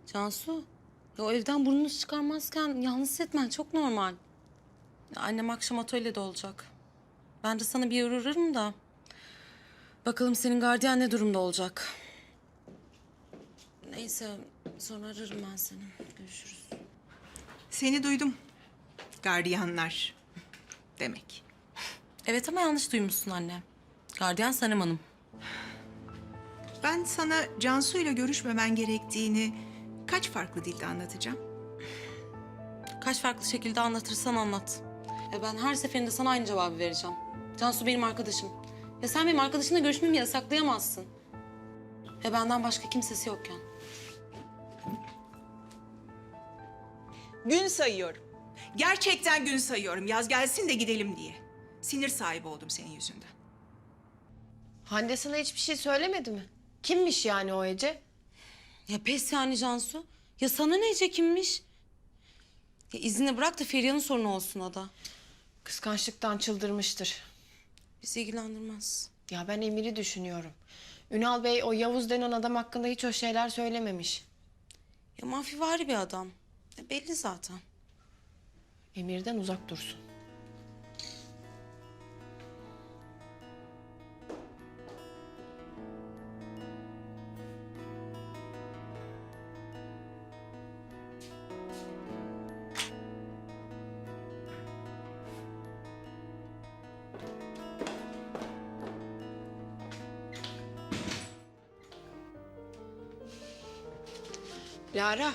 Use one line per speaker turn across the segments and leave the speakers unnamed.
Cansu, ya o evden burnunu çıkarmazken yalnız hissetmen çok normal. Ya annem akşam atölyede olacak. Ben de sana bir uğrarım da. Bakalım senin gardiyan ne durumda olacak. Neyse, sonra ararım ben seni. Görüşürüz.
Seni duydum. Gardiyanlar demek.
Evet ama yanlış duymuşsun anne. Gardiyan Sanem Hanım.
Ben sana Cansu ile görüşmemen gerektiğini kaç farklı dilde anlatacağım?
Kaç farklı şekilde anlatırsan anlat. Ya ben her seferinde sana aynı cevabı vereceğim. Cansu benim arkadaşım. Ya sen benim arkadaşımla görüşmemi yasaklayamazsın. Ya benden başka kimsesi yokken.
Gün sayıyorum. Gerçekten gün sayıyorum. Yaz gelsin de gidelim diye. Sinir sahibi oldum senin yüzünden.
Hande sana hiçbir şey söylemedi mi? Kimmiş yani o Ece?
Ya pes yani Cansu. Ya sana ne Ece kimmiş? Ya izini bırak da Feriha'nın sorunu olsun o da.
Kıskançlıktan çıldırmıştır.
Bizi ilgilendirmez.
Ya ben Emir'i düşünüyorum. Ünal Bey o Yavuz denen adam hakkında hiç o şeyler söylememiş.
Ya mafivari bir adam. Ya belli zaten.
Emir'den uzak dursun. Lara.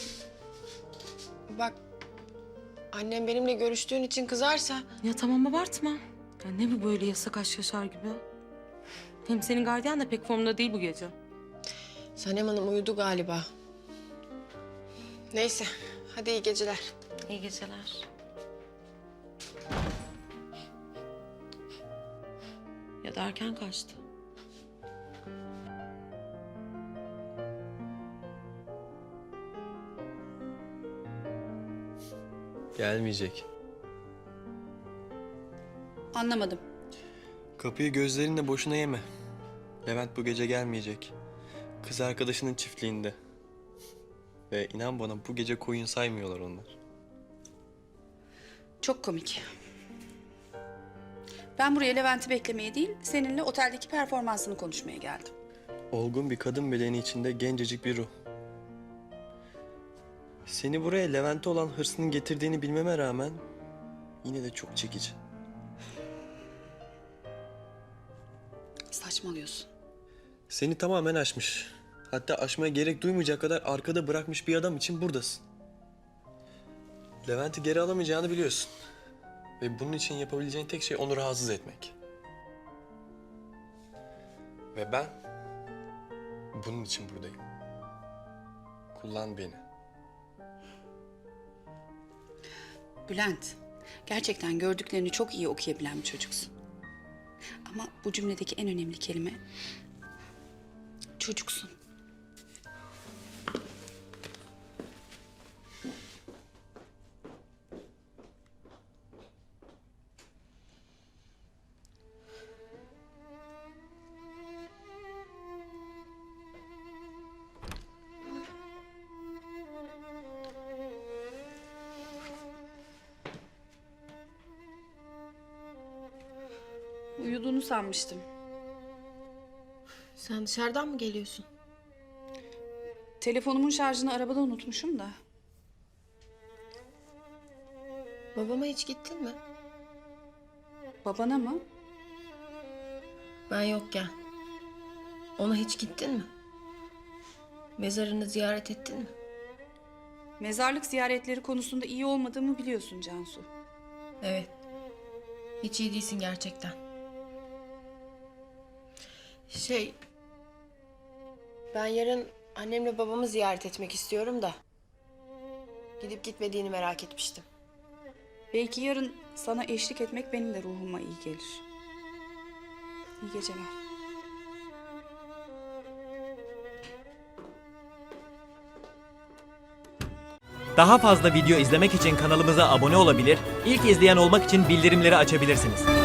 Bak, annem benimle görüştüğün için kızarsa...
Ya tamam abartma. Ya ne bu böyle yasak aşk yaşar gibi? Hem senin gardiyan da pek formda değil bu gece.
Sanem Hanım uyudu galiba. Neyse, hadi iyi geceler.
İyi geceler. Ya da erken kaçtı.
Gelmeyecek.
Anlamadım.
Kapıyı gözlerinle boşuna yeme. Levent bu gece gelmeyecek. Kız arkadaşının çiftliğinde. Ve inan bana bu gece koyun saymıyorlar onlar.
Çok komik. Ben buraya Levent'i beklemeye değil, seninle oteldeki performansını konuşmaya geldim.
Olgun bir kadın bedeni içinde gencecik bir ruh. Seni buraya Levent'e olan hırsının getirdiğini bilmeme rağmen yine de çok çekici.
Saçmalıyorsun.
Seni tamamen aşmış. Hatta aşmaya gerek duymayacak kadar arkada bırakmış bir adam için buradasın. Levent'i geri alamayacağını biliyorsun. Ve bunun için yapabileceğin tek şey onu rahatsız etmek. Ve ben bunun için buradayım. Kullan beni.
Bülent, gerçekten gördüklerini çok iyi okuyabilen bir çocuksun. Ama bu cümledeki en önemli kelime çocuksun. Uyuduğunu sanmıştım.
Sen dışarıdan mı geliyorsun?
Telefonumun şarjını arabada unutmuşum da.
Babama hiç gittin mi?
Babana mı?
Ben yokken. Ona hiç gittin mi? Mezarını ziyaret ettin mi?
Mezarlık ziyaretleri konusunda iyi olmadığımı biliyorsun Cansu.
Evet. Hiç iyi değilsin gerçekten. Ben yarın annemle babamı ziyaret etmek istiyorum da. Gidip gitmediğini merak etmiştim.
Belki yarın sana eşlik etmek benim de ruhuma iyi gelir. İyi geceler.
Daha fazla video izlemek için kanalımıza abone olabilir, ilk izleyen olmak için bildirimleri açabilirsiniz.